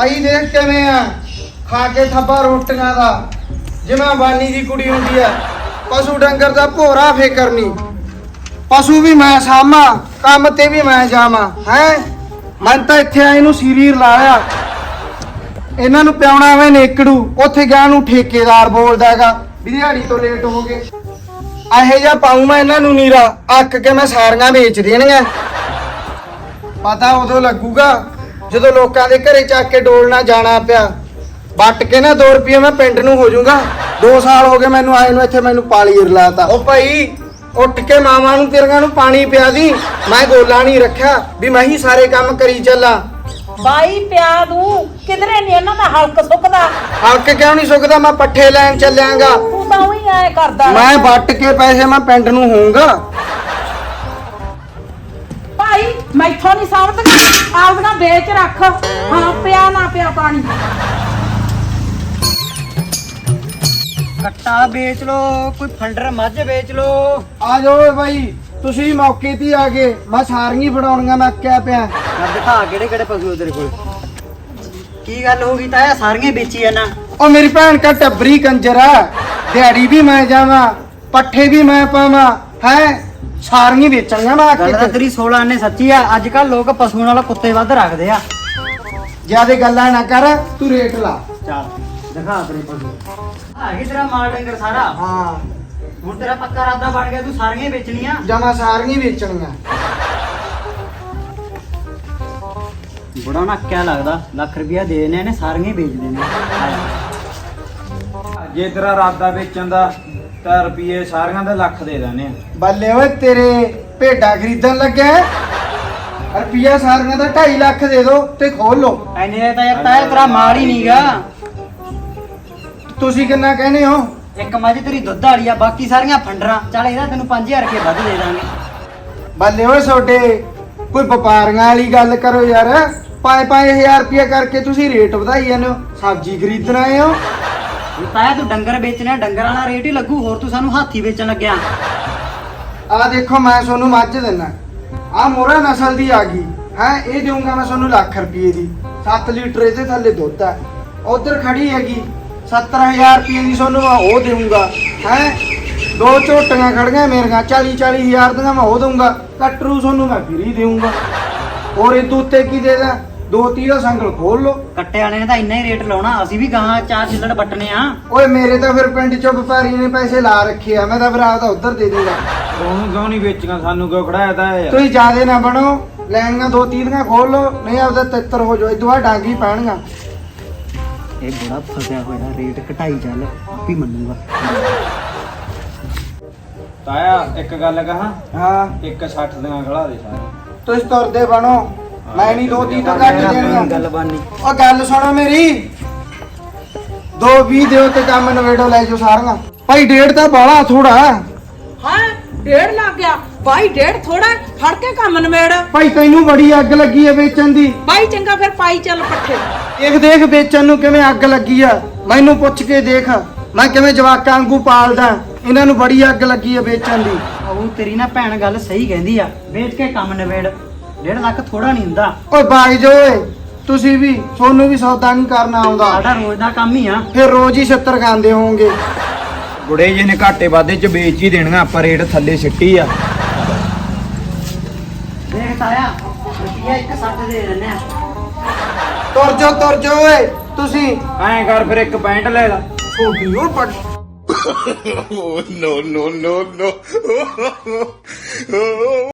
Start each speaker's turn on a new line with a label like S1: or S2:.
S1: ਭਾਈ ਦੇਖ ਕਿਵੇਂ ਆ ਖਾ ਕੇ ਥੱਬਾ ਰੋਟੀਆਂ ਦਾ ਜਿਵੇਂ ਬਾਨੀ ਦੀ ਕੁੜੀ ਹੁੰਦੀ ਆ। ਪਸ਼ੂ ਡੰਗਰ ਦਾ ਭੋਰਾ ਫੇਕਰ ਨਹੀਂ। ਪਸ਼ੂ ਵੀ ਮੈਂ ਸਾਮਾ, ਕੰਮ ਤੇ ਵੀ ਮੈਂ ਜਾਵਾਂ। ਹੈ ਮੈਂ ਤਾਂ ਇੱਥੇ ਆਏ ਨੂੰ ਸੀਰੀਰ ਲਾਇਆ, ਇਹਨਾਂ ਨੂੰ ਪਿਆਉਣਾ ਵੇ ਨੇਕੜੂ। ਉੱਥੇ ਗਿਆ ਨੂੰ ਠੇਕੇਦਾਰ ਬੋਲਦਾ ਹੈਗਾ ਵੀ ਦਿਹਾੜੀ ਤੋਂ ਲੇਟ ਹੋ ਗਏ। ਇਹੋ ਜਿਹਾ ਪਾਉ ਮੈਂ ਇਹਨਾਂ ਨੂੰ ਨੀਰਾ, ਅੱਕ ਕੇ ਮੈਂ ਸਾਰੀਆਂ ਵੇਚ ਦੇਣੀਆਂ। ਪਤਾ ਉਦੋਂ ਲੱਗੂਗਾ ਜਦੋਂ ਲੋਕਾਂ ਦੇ ਘਰੇ ਚੱਕ ਕੇ ਡੋਲਣਾ ਜਾਣਾ ਪਿਆ। ਵੱਟ ਕੇ ਨਾ 2 ਰੁਪਏ ਮੈਂ ਪਿੰਡ ਨੂੰ ਹੋ ਜਾਊਗਾ। 2 ਸਾਲ ਹੋ ਗਏ ਮੈਨੂੰ ਆਏ ਨੂੰ, ਇੱਥੇ ਮੈਨੂੰ ਪਾਲੀ ਰਲਾਤਾ। ਉਹ ਭਾਈ ਉੱਠ ਕੇ ਮਾਵਾਂ ਨੂੰ ਤੇਰੀਆਂ ਨੂੰ ਪਾਣੀ ਪਿਆ ਦੀ। ਮੈਂ ਗੋਲਾ ਨਹੀਂ ਰੱਖਿਆ ਵੀ ਮੈਂ ਹੀ ਸਾਰੇ ਕੰਮ ਕਰੀ ਚੱਲਾਂ।
S2: ਬਾਈ ਪਿਆ ਦੂੰ, ਕਿਧਰੇ ਨਹੀਂ ਇਹਨਾਂ ਦਾ ਹਲਕ ਸੁੱਕਦਾ।
S1: ਹਲਕ ਕਿਉਂ ਨਹੀਂ ਸੁੱਕਦਾ? ਮੈਂ ਪੱਠੇ ਲੈਣ ਚੱਲਿਆਂਗਾ।
S2: ਤੂੰ ਤਾਂ ਉਹੀ ਐ ਕਰਦਾ।
S1: ਮੈਂ ਵੱਟ ਕੇ ਪੈਸੇ ਮੈਂ ਪਿੰਡ ਨੂੰ ਹੋਊਗਾ।
S2: ਭਾਈ ਮੈਥੋਂ ਨਹੀਂ ਸਾਂਭਦੀਆਂ, ਆਪਦੀਆਂ ਵੇਚ ਰੱਖ। ਹਾਂ ਪਿਆ ਨਾ ਪਿਆ ਪਾਣੀ।
S3: ਕੱਟਾ ਵੇਚ ਲੋ, ਕੋਈ ਫੰਡਰ ਮੱਝ ਵੇਚ ਲੋ।
S1: ਆ ਜਾਓ ਓਏ ਬਾਈ, ਤੁਸੀਂ ਮੌਕੇ ਤੇ ਆ ਗਏ। ਮੈਂ ਸਾਰੀਆਂ ਫੜਾਉਣੀਆਂ, ਮੈਂ ਕਿਆ ਪਿਆ।
S3: ਮੈਂ ਦਿਖਾ ਕਿਹੜੇ ਕਿਹੜੇ ਪਸ਼ੂ ਤੇਰੇ ਕੋਲ। ਕੀ ਗੱਲ ਹੋ ਗਈ ਤਾਇਆ, ਸਾਰੀਆਂ ਵੇਚੀ ਆ ਨਾ?
S1: ਉਹ ਮੇਰੀ ਭੈਣ ਕਾ ਟੱਬਰੀ ਕੰਜਰ ਆ। ਦਿਹਾੜੀ ਵੀ ਮੈਂ ਜਾਵਾਂ, ਪੱਠੇ ਵੀ ਮੈਂ ਪਾਵਾਂ। ਹੈ ਸਾਰੀਆਂ ਵੇਚਣੀਆਂ ਮੈਂ
S3: ਗੱਲ ਤਾਂ
S1: ਆਕੇ।
S3: ਤੇਰੀ 16 ਆਨੇ ਸੱਚੀ ਆ। ਅੱਜ ਕੱਲ ਲੋਕ ਪਸ਼ੂਆਂ ਨਾਲੋਂ ਕੁੱਤੇ ਵੱਧ ਰੱਖਦੇ ਆ।
S1: ਜਿਆਦੇ ਗੱਲਾਂ ਨਾ ਕਰ, ਤੂੰ ਰੇਟ ਲਾ।
S3: ਚੱਲ ਦਿਖਾ ਤੇਰੇ ਪਸ਼ੂ। ਆ ਗਈ ਤੇਰਾ ਮਾਲ ਡੰਗਰ ਸਾਰਾ।
S1: ਹਾਂ
S3: ਹੁਣ ਤੇਰਾ ਪੱਕਾ ਇਰਾਦਾ ਬਣ ਗਿਆ, ਤੂੰ ਸਾਰੀਆਂ ਵੇਚਣੀਆਂ।
S1: ਜਮਾ ਸਾਰੀਆਂ ਵੇਚਣੀਆਂ।
S3: ਬੜਾ ਨੱਕਿਆ ਲੱਗਦਾ, ਲੱਖ ਰੁਪਇਆ ਦੇ ਦੇਣੇ ਨੇ, ਸਾਰੀਆਂ ਵੇਚ ਦੇਣੇ।
S4: ਜੇ ਤੇਰਾ ਇਰਾਦਾ ਵੇਚਣ ਦਾ ਤਾਂ ਰੁਪਏ ਸਾਰਿਆਂ ਦੇ ਲੱਖ ਦੇ ਦੇਣੇ ਆ।
S1: ਬੱਲੇ ਓਏ ਤੇਰੇ ਭੇਡਾਂ ਖਰੀਦਣ ਲੱਗਿਆ। ਰੁਪਈਆ ਸਾਰੀਆਂ ਦਾ 2.5 ਲੱਖ ਦੇ ਦੋ ਤੇ ਖੋਲ ਲੋ।
S3: ਐਨੇ ਤਾਂ ਯਾਰ ਤਾਇਆ ਤੇਰਾ ਮਾਲ ਹੀ ਨਹੀਂਗਾ।
S1: ਤੁਸੀਂ ਕਿੰਨਾ ਕਹਿੰਦੇ ਹੋ?
S3: ਇੱਕ ਮੱਝ ਤੇਰੀ ਦੁੱਧ ਵਾਲੀ ਆ, ਬਾਕੀ ਸਾਰੀਆਂ ਫੰਡਰਾਂ। ਚੱਲ ਇਹਦਾ ਤੈਨੂੰ 5000 ਰੁਪਏ ਵੱਧ ਦੇ ਦਾਂਗੇ।
S1: ਬੱਲੇ ਓਏ ਛੋਡੇ ਕੋਈ ਵਪਾਰੀਆਂ ਵਾਲੀ ਗੱਲ ਕਰੋ ਯਾਰ। 5-5000 ਰੁਪਇਆ ਕਰਕੇ ਤੁਸੀਂ ਰੇਟ ਵਧਾਈ ਜਾਂਦੇ ਹੋ। ਸਬਜ਼ੀ ਖਰੀਦਣ ਆਏ ਹੋ?
S3: ਤਾਇਆ ਤੂੰ ਡੰਗਰ ਵੇਚਣਾ, ਡੰਗਰ ਵਾਲਾ ਰੇਟ ਹੀ ਲੱਗੂ। ਹੋਰ ਤੂੰ ਸਾਨੂੰ ਹਾਥੀ ਵੇਚਣ ਲੱਗਿਆ।
S1: ਆ ਦੇਖੋ ਮੈਂ ਤੁਹਾਨੂੰ ਮੱਝ ਦਿੰਨਾ, ਆ ਮੋਰਾ ਨਸਲ ਦੀ ਆ ਗਈ ਹੈ। ਇਹ ਦੇਊਂਗਾ ਮੈਂ ਤੁਹਾਨੂੰ ਲੱਖ ਰੁਪਏ ਦੀ। 7 ਲੀਟਰ ਇਹਦੇ ਥੱਲੇ ਦੁੱਧ ਹੈ। ਉਧਰ ਖੜੀ ਹੈਗੀ 70000 ਰੁਪਏ ਦੀ, ਤੁਹਾਨੂੰ ਮੈਂ ਉਹ ਦੇਊਂਗਾ। ਹੈ 2 ਝੋਟੀਆਂ ਖੜੀਆਂ ਮੇਰੀਆਂ 40-40 ਦੀਆਂ, ਮੈਂ ਉਹ ਦਊਂਗਾ। ਕਟਰੂ ਤੁਹਾਨੂੰ ਮੈਂ ਫਰੀ ਦੇਊਂਗਾ। ਹੋਰ ਇਹ ਉੱਤੇ ਕੀ ਦੇ ਦਾਂ? 2-3 ਦਾ ਸੰਗਲ ਖੋਲ ਲੋ।
S3: ਕੱਟੇ ਵਾਲੇ ਨੇ ਤਾਂ ਇੰਨਾ ਹੀ ਰੇਟ ਲਾਉਣਾ, ਅਸੀਂ ਵੀ ਗਾਹਾਂ 4 ਛਿੱਲੜ ਵੱਟਣੇ ਆ।
S1: ਓਏ ਮੇਰੇ ਤਾਂ ਫਿਰ ਪਿੰਡ ਚੋਂ ਵਪਾਰੀ ਨੇ ਪੈਸੇ ਲਾ ਰੱਖੇ ਆ। ਮੈਂ ਤਾਂ ਫਿਰ ਆਪਦਾ ਉਧਰ ਦੇ ਦੂੰਗਾ।
S4: ਉਹਨੂੰ ਕਿਉਂ ਨਹੀਂ ਵੇਚੀਆਂ, ਸਾਨੂੰ ਕਿਉਂ ਖੜਾਇਆ ਤਾਂ ਯਾਰ।
S1: ਤੁਸੀਂ ਜਿਆਦੇ ਨਾ ਬਣੋ, ਲੈਣੀਆਂ 2-3 ਦੀਆਂ ਖੋਲ ਲੋ, ਨਹੀਂ ਆਪਦਾ ਤਿੱਤਰ ਹੋ ਜਾਓ। ਇਦੋਂ ਡਾਂਗੀ ਪੈਣਗਾ।
S3: ਇਹ ਬੜਾ ਫਸਿਆ ਹੋਇਆ, ਰੇਟ ਘਟਾਈ ਚੱਲ, ਆਪੀ ਮੰਨੂਗਾ।
S4: ਤਾਇਆ ਇੱਕ ਗੱਲ ਕਹਾਂ,
S1: ਹਾਂ
S4: 160 ਦੀਆਂ ਖੜਾ ਦੇ ਸਾਰੇ।
S1: ਤੁਸੀਂ ਤੁਰਦੇ ਬਣੋ, ਮੈਂ ਨਹੀਂ 2-3 ਤੋਂ ਘੱਟ ਦੇਣੀਆਂ।
S3: ਗੱਲ ਬਾਨੀ।
S1: ਉਹ ਗੱਲ ਸੁਣੋ ਮੇਰੀ, 2-20 ਦਿਓ ਤੇ ਕੰਮ ਨਵੇੜੋ, ਲੈ ਜਾਓ ਸਾਰੀਆਂ। ਭਾਈ 1.5 ਤਾਂ ਬਾਹਲਾ ਥੋੜਾ।
S2: ਹਾਂ 1.5 ਲੱਗ ਗਿਆ। ਬਾਈ 1.5 ਥੋੜਾ, ਫੜ ਕੇ ਕੰਮ ਨਵੇੜ।
S1: ਭਾਈ ਤੈਨੂੰ ਬੜੀ ਅੱਗ ਲੱਗੀ ਆ ਵੇਚਣ ਦੀ।
S2: ਬਾਈ ਚੰਗਾ ਫਿਰ ਪਾਈ ਚੱਲ ਪੱਠੇ।
S1: ਦੇਖ ਵੇਚਣ ਨੂੰ ਕਿਵੇਂ ਅੱਗ ਲੱਗੀ ਆ। ਮੈਨੂੰ ਪੁੱਛ ਕੇ ਦੇਖ, ਮੈਂ ਕਿਵੇਂ ਜਵਾਕਾਂ ਵਾਂਗੂ ਪਾਲਦਾ। ਇਹਨਾਂ ਨੂੰ ਬੜੀ ਅੱਗ ਲੱਗੀ ਆ ਵੇਚਣ ਦੀ।
S3: ਉਹ ਤੇਰੀ ਨਾ ਭੈਣ ਗੱਲ ਸਹੀ ਕਹਿੰਦੀ ਆ, ਵੇਚ ਕੇ ਕੰਮ ਨਵੇੜ। 1.5 ਲੱਖ ਥੋੜਾ ਨਹੀਂ ਹੁੰਦਾ।
S1: ਓਏ ਬਾਈ ਜੋ ਓਏ, ਤੁਸੀਂ ਵੀ, ਤੁਹਾਨੂੰ ਵੀ ਸੌਦਾ ਨਹੀਂ ਕਰਨਾ ਆਉਂਦਾ।
S3: ਸਾਡਾ ਰੋਜ਼ ਦਾ ਕੰਮ ਹੀ ਆ।
S1: ਫਿਰ ਰੋਜ਼ ਹੀ 70 ਖਾਂਦੇ ਹੋਵੋਗੇ।
S4: ਗੁੜੇ ਜੀ ਨੇ ਘਾਟੇ ਵਾਧੇ ਚ ਵੇਚ ਹੀ ਦੇਣੀਆਂ, ਆਪਾਂ ਰੇਟ ਥੱਲੇ ਸਿੱਟੀ ਆ।
S3: ਦੇਖ ਤਾਇਆ, ਰੁਪਈਆ 160 ਦੇ ਦਿੰਦੇ ਆ।
S1: ਤੁਰ ਜੋ ਓਏ ਤੁਸੀਂ।
S4: ਐਂ ਕਰ ਫਿਰ ਇੱਕ ਪੈਂਟ ਲੈ ਲਾ।
S1: ਛੋਟੀ ਓ ਪੜ
S5: no, no, no, no.